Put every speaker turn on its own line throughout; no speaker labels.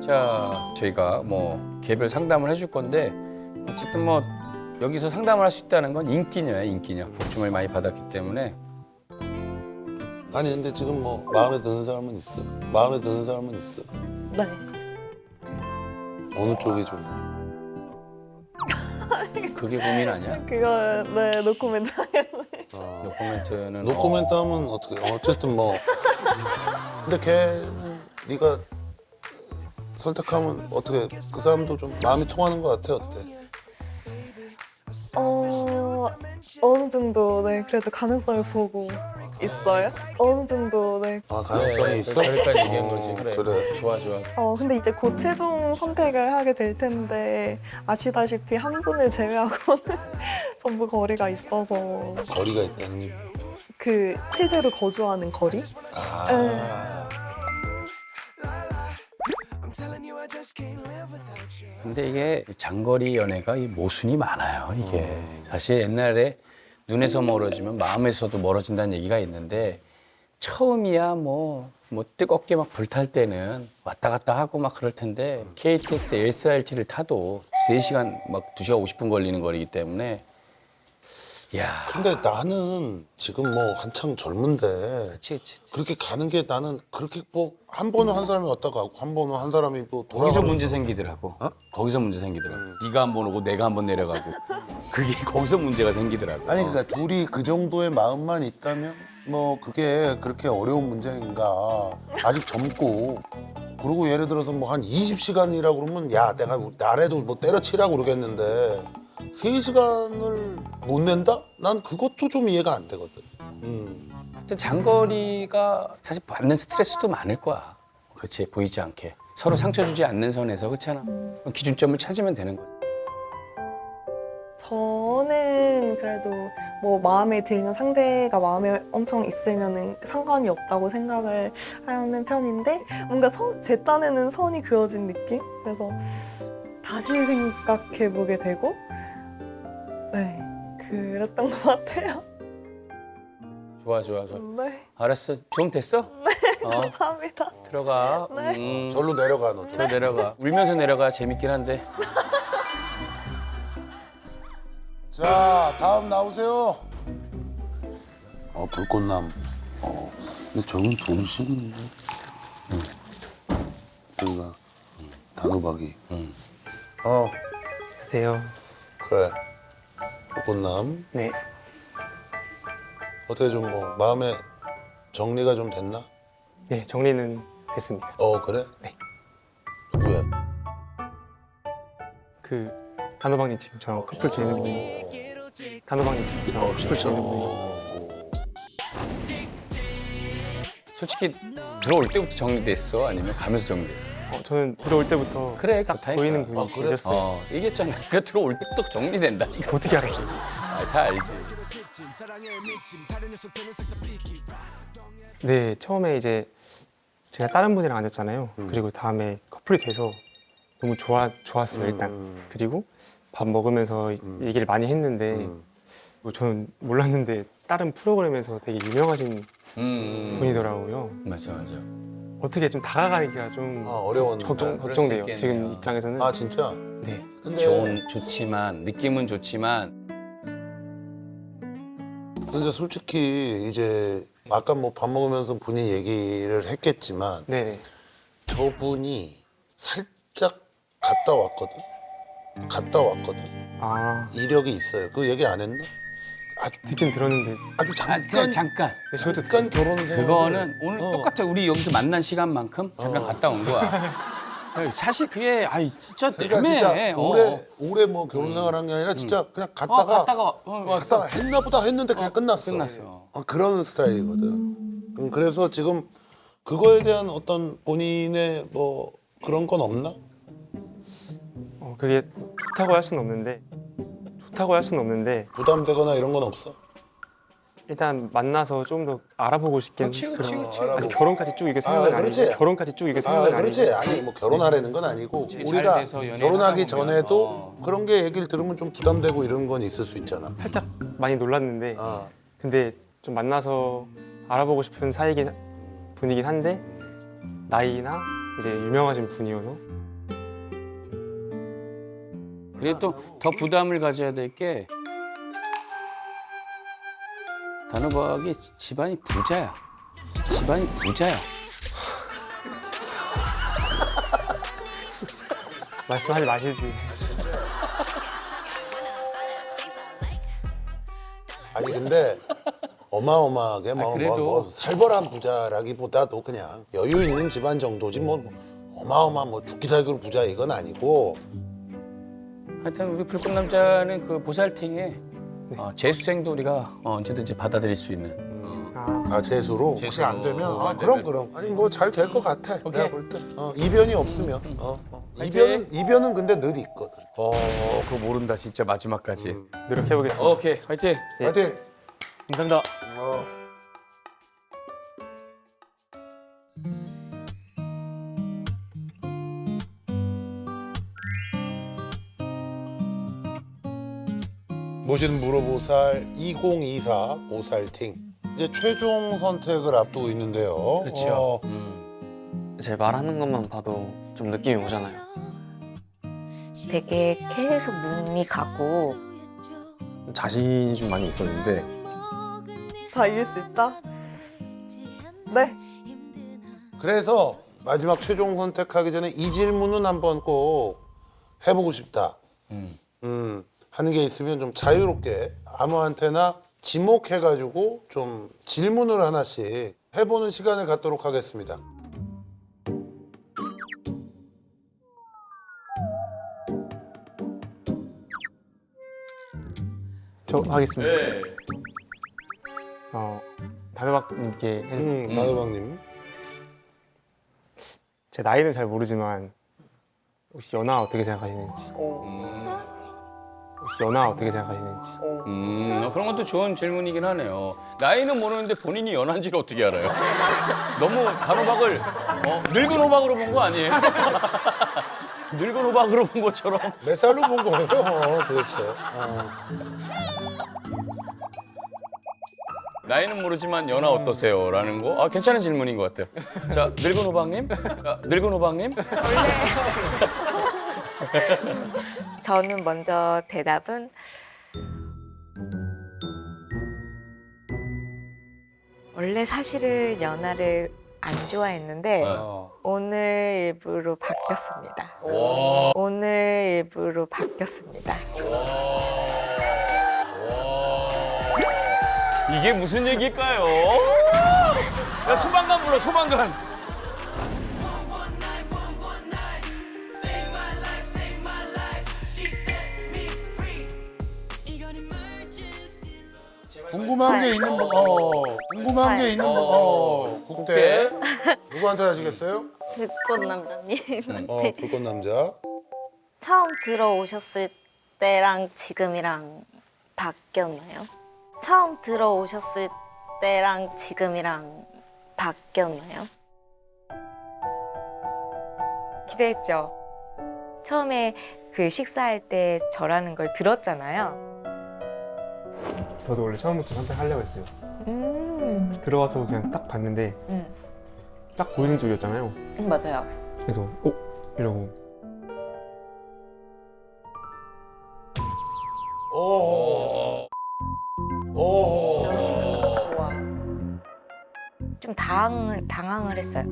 자, 저희가 뭐 개별 상담을 해줄 건데 어쨌든 뭐 여기서 상담을 할 수 있다는 건 인기녀야, 인기녀. 복춤을 많이 받았기 때문에.
아니 근데 지금 뭐 마음에 드는 사람은 있어? 마음에 드는 사람은 있어?
네.
어느 쪽이 좀?
그게 고민 아니야?
그거 네 노코멘트 하겠네.
노코멘트는
노코멘트 하면 어떻게? 어쨌든 뭐. 근데 걔는 네가 선택하면 어떻게? 그 사람도 좀 마음이 통하는 것 같아 어때?
어느 정도 네 그래도 가능성을 보고 있어요. 어느 정도 네.
아 가능성이 있어?
여기까지 얘기한 거지. 그래.
그래.
좋아, 좋아.
근데 이제 곧 최종 선택을 하게 될 텐데 아시다시피 한 분을 제외하고는 전부 거리가 있어서
거리가 있다는 게.
그 실제로 거주하는 거리?
아.
근데 이게 장거리 연애가 이 모순이 많아요, 이게. 사실 옛날에 눈에서 멀어지면 마음에서도 멀어진다는 얘기가 있는데 처음이야 뭐 뜨겁게 막 불탈 때는 왔다 갔다 하고 막 그럴 텐데 KTX SRT를 타도 3시간 막 2시간 50분 걸리는 거리기 때문에 야,
근데 나는 지금 뭐 한창 젊은데
그치.
그렇게 가는 게 나는 그렇게 뭐 한 번은 한 사람이 왔다 가고 한 번은 한 사람이 또
거기서
돌아가고
문제 생기더라고.
어?
거기서 문제 생기더라고. 네가 한 번 오고 내가 한 번 내려가고 그게 거기서 문제가 생기더라고.
아니 그러니까 둘이 그 정도의 마음만 있다면 뭐 그게 그렇게 어려운 문제인가 아직 젊고 그리고 예를 들어서 뭐 한 20시간이라고 그러면 야 내가 나래도 뭐 때려치라고 그러겠는데 3시간을 못 낸다? 난 그것도 좀 이해가 안 되거든.
하여튼 장거리가 사실 받는 스트레스도 많을 거야. 그렇지, 보이지 않게. 서로 상처 주지 않는 선에서, 그렇잖아. 그럼 기준점을 찾으면 되는 거야.
저는 그래도 뭐 마음에 드는 상대가 마음에 엄청 있으면은 상관이 없다고 생각을 하는 편인데 뭔가 제 딴에는 선이 그어진 느낌? 그래서 다시 생각해보게 되고 네 그랬던 것 같아요.
좋아.
네
알았어. 좀 됐어?
감사합니다.
들어가.
네.
절로 내려가 너.
저 내려가. 울면서 내려가. 재밌긴 한데.
자 다음 나오세요. 불꽃나무. 근데 저건 동식인데. 여기가 단호박이.
안녕하세요.
그래. 불꽃남.
네.
어떻게 좀 뭐 마음에 정리가 좀 됐나?
네, 정리는 됐습니다.
그래?
네.
누구야?
그 단호박님 지금 저랑 커플 지내는 분이 단호박님 지금 저랑 커플 지내는 분이
솔직히 들어올 때부터 정리됐어? 아니면 가면서 정리됐어?
저는 들어올 때부터
그래,
딱
그렇다니까.
보이는 분이
그래?
계셨어요.
얘기했잖아. 그러니까 들어올 때부터 정리된다니까.
어떻게 알았어요?
다 알지.
네, 처음에 이제 제가 다른 분이랑 앉았잖아요. 그리고 다음에 커플이 돼서 너무 좋았어요, 일단. 그리고 밥 먹으면서 얘기를 많이 했는데 뭐 저는 몰랐는데 다른 프로그램에서 되게 유명하신 분이더라고요.
맞아.
어떻게 좀 다가가기가 좀
어려웠는데.
걱정돼요.
그럴 수
지금
있겠네요.
입장에서는.
아 진짜?
네.
근데
좋지만 느낌은 좋지만
근데 솔직히 이제 아까 뭐 밥 먹으면서 본인 얘기를 했겠지만
네네.
저분이 살짝 갔다 왔거든.
아,
이력이 있어요. 그 얘기 안 했나?
듣긴 들었는데.
아주
그냥
잠깐
잠깐.
네, 저도
잠깐
들었어요.
결혼을
그거는 오늘 똑같아. 우리 여기서 만난 시간만큼 잠깐 갔다 온 거야. 사실 그게 진짜
그러니까
애매해.
진짜 오래 뭐 결혼 생활한 게 아니라 진짜 그냥 갔다가
왔어.
했나 보다 했는데 그냥 끝났어.
끝났어.
그런 스타일이거든. 그래서 지금 그거에 대한 어떤 본인의 뭐 그런 건 없나?
그게 좋다고 할 수는 없는데
부담되거나 이런 건 없어?
일단 만나서 좀 더 알아보고 싶긴
그렇지.
아직 결혼까지 쭉 이게 생각은
그렇지.
아니고 결혼까지 쭉 이게 생각은
그렇지.
아니고
아니 뭐 결혼하려는 건 아니고
잘
우리가
돼서 연애를
결혼하기
하다 보면,
전에도 그런 게 얘기를 들으면 좀 부담되고 이런 건 있을 수 있잖아.
살짝 많이 놀랐는데
아,
근데 좀 만나서 알아보고 싶은 분이긴 한데 나이나 이제 유명하신 분이어서
그리고 또 더 부담을 가져야 될 게 단호박이 집안이 부자야. 집안이 부자야.
말씀하지 마시지.
아니 근데 어마어마하게
그래도.
살벌한 부자라기보다도 그냥 여유 있는 집안 정도지 뭐 어마어마 뭐 죽기 살기로 부자 이건 아니고.
하여튼 우리 불꽃남자는 그 보살팅에 재수생도 우리가 언제든지 받아들일 수 있는.
아 재수로 혹시 안 되면 그럼 아니 뭐 잘 될 것 같아.
오케이.
내가 볼 때 이변이 없으면 이변은 근데 늘 있거든.
그거 모른다 진짜 마지막까지.
노력해 보겠습니다.
오케이 화이팅.
파이팅.
감사합니다.
모시는 물어보살 2024 보살팅 이제 최종 선택을 앞두고 있는데요.
그렇죠.
제 말하는 것만 봐도 좀 느낌이 오잖아요.
되게 계속 눈이 가고
자신이 좀 많이 있었는데
다 이길 수 있다? 네.
그래서 마지막 최종 선택하기 전에 이 질문은 한번 꼭 해보고 싶다. 하는 게 있으면 좀 자유롭게 아무한테나 지목해가지고 좀 질문을 하나씩 해보는 시간을 갖도록 하겠습니다.
저 하겠습니다. 단호박님께
나도박님.
제 나이는 잘 모르지만 혹시 연하 어떻게 생각하시는지. 혹시 연하 어떻게 생각하시는지.
그런 것도 좋은 질문이긴 하네요. 나이는 모르는데 본인이 연한지를 어떻게 알아요? 너무 단호박을 늙은 호박으로 본 거 아니에요? 늙은 호박으로 본 것처럼.
몇 살로 본 거예요 도대체?
나이는 모르지만 연하 어떠세요? 라는 거 괜찮은 질문인 것 같아요. 자, 늙은 호박님. 늙은 호박님.
저는 먼저 대답은 원래 사실은 연하를 안 좋아했는데 오늘 일부로 바뀌었습니다. 오늘 일부로 바뀌었습니다.
이게 무슨 얘기일까요? 야, 소방관 불러, 소방관.
궁금한 게 있는 분, 궁금한 게 있는 분, 국대 누구한테 하시겠어요?
불꽃남자님한테
불꽃 남자.
처음 들어오셨을 때랑 지금이랑 바뀌었나요? 처음 들어오셨을 때랑 지금이랑 바뀌었나요?
기대했죠. 처음에 그 식사할 때 저라는 걸 들었잖아요.
저도 원래 처음부터 선택하려고 했어요. 들어와서 그냥 딱 봤는데 딱 보이는 쪽이었잖아요.
맞아요.
그래서 이러고
좀 당황을 했어요.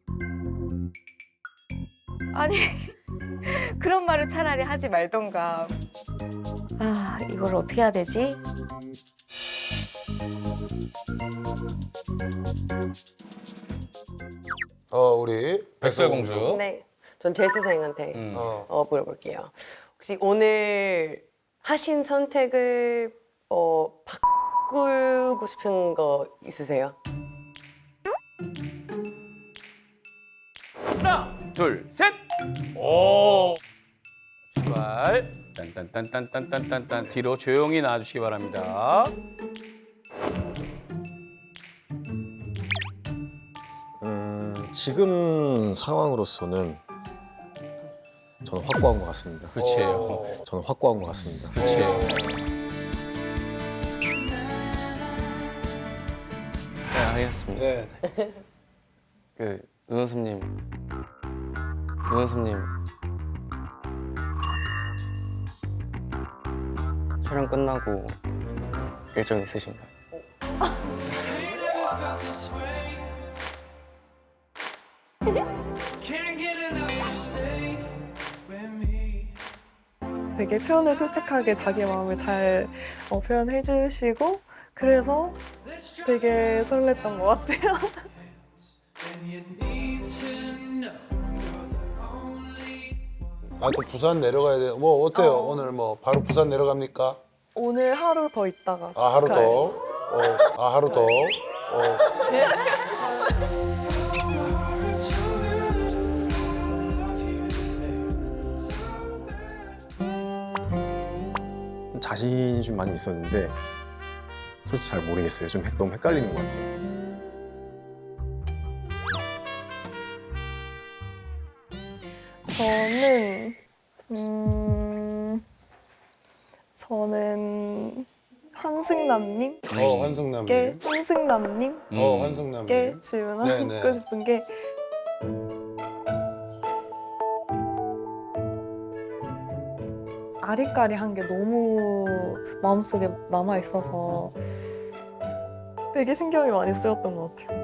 아니 그런 말을 차라리 하지 말던가. 아 이걸 어떻게 해야 되지?
우리
백설공주.
네, 전 재수생한테 물어볼게요. 혹시 오늘 하신 선택을 바꾸고 싶은 거 있으세요?
하나, 둘, 셋. 오. 출발. 딴딴딴딴딴딴딴 뒤로 조용히 나와주시기 바랍니다.
지금 상황으로서는 저는 확고한 것 같습니다.
그렇지.
저는 확고한 것 같습니다.
그렇지.
네, 알겠습니다.
네.
그 은호수님 문은수님 촬영 끝나고 일정 있으신가요?
되게 표현을 솔직하게 자기 마음을 잘 표현해 주시고 그래서 되게 설렜던 것 같아요.
아, 또 부산 내려가야 돼요. 뭐 어때요? 오늘 뭐 바로 부산 내려갑니까?
오늘 하루 더 있다가
아, 하루 더.
가요.
아, 하루 더.
자신이 좀 많이 있었는데 솔직히 잘 모르겠어요. 좀 너무 헷갈리는 것 같아요.
저는 환승남님께
환승남님.
환승남님께
환승남님.
질문하고
네네.
싶은 게 아리까리한 게 너무 마음속에 남아 있어서 되게 신경이 많이 쓰였던 것 같아요.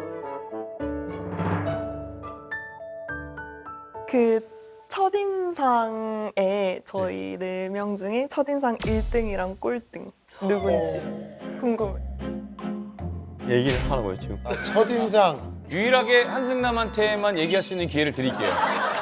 그 첫인상에 저희 4명 중에 첫인상 1등이랑 꼴등 누군지 궁금해요.
얘기를 하라고요 지금.
아, 첫인상.
유일하게 한승남한테만 얘기할 수 있는 기회를 드릴게요.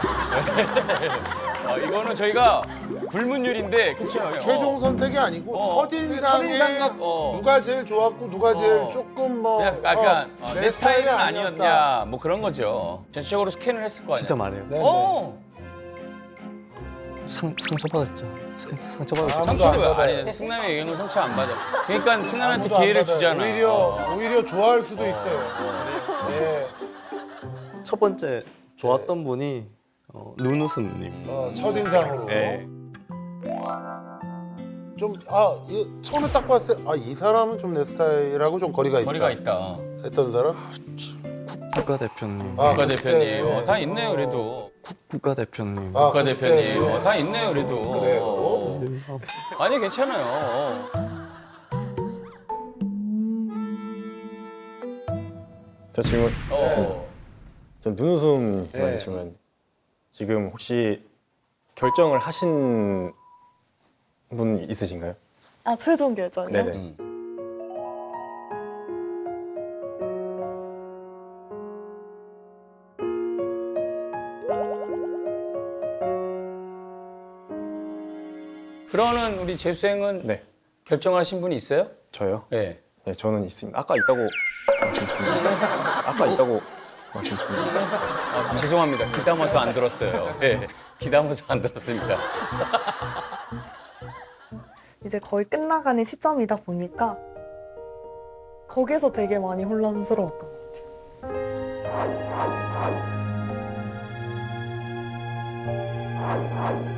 이거는 저희가 불문율인데 그렇죠.
최종 선택이 아니고 첫인상에
첫인상각,
누가 제일 좋았고 누가 제일
어.
조금 뭐
그냥 약간 내 스타일은
아니었다.
아니었냐 뭐 그런 거죠. 전체적으로 스캔을 했을 거 아니야.
진짜 말해요.
네,
어.
상처받았죠. 상처받았죠.
아무도
상처를 왜
안 받아요.
아니 승남의 의견은 상처 안 받아. 그러니까 승남한테
아무도 안
기회를
받아요.
주잖아.
오히려 좋아할 수도 있어요. 예.
첫 번째 좋았던 분이 눈웃음님.
첫인상으로.
네.
처음에 딱 봤을 때 이 사람은 좀 내 스타일하고 좀 거리가 있다.
거리가 있다.
했던 사람?
국가대표님.
국가대표님. 다 있네요 그래도.
국가대표님.
국가대표님. 다 있네요 그래도.
그래요.
아니 괜찮아요.
저 질문. 전 눈웃음
네.
질문. 지금 혹시 결정을 하신 분 있으신가요?
최종 결정이요?
네네.
그러는 우리 재수생은
네.
결정하신 분이 있어요?
저요?
네.
네, 저는 있습니다. 아까 있다고 말씀드렸습니다. 아까 있다고 말씀드렸습니다.
죄송합니다. 귀담아서 안 들었어요. 네. 귀담아서 안 들었습니다.
이제 거의 끝나가는 시점이다 보니까 거기서 되게 많이 혼란스러웠던 것 같아요.